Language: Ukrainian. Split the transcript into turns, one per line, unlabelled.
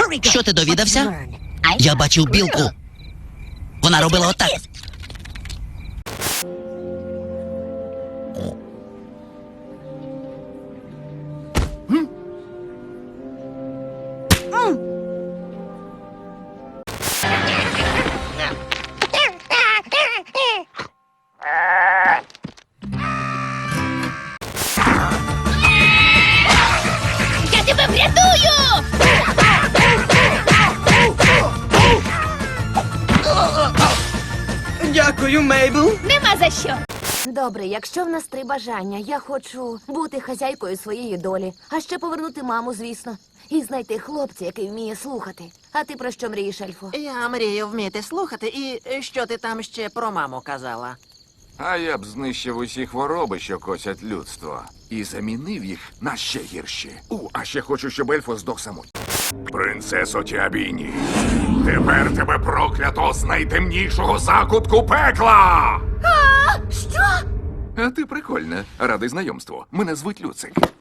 Що ти довідався? Я бачив білку. Вона робила отак.
Я тебе врятую!
Дякую, Мейбл.
Нема за що.
Добре, якщо в нас 3 бажання, я хочу бути хазяйкою своєї долі, а ще повернути маму, звісно, і знайти хлопця, який вміє слухати. А ти про що мрієш, Ельфо?
Я мрію вміти слухати, і що ти там ще про маму казала?
А я б знищив усі хвороби, що косять людство, і замінив їх на ще гірші. А ще хочу, щоб Ельфо здох самотньо. Принцесо Тіабіні, тепер тебе проклято з найтемнішого закутку пекла!
Що?
А ти прикольна. Радий знайомству. Мене звуть Люцик.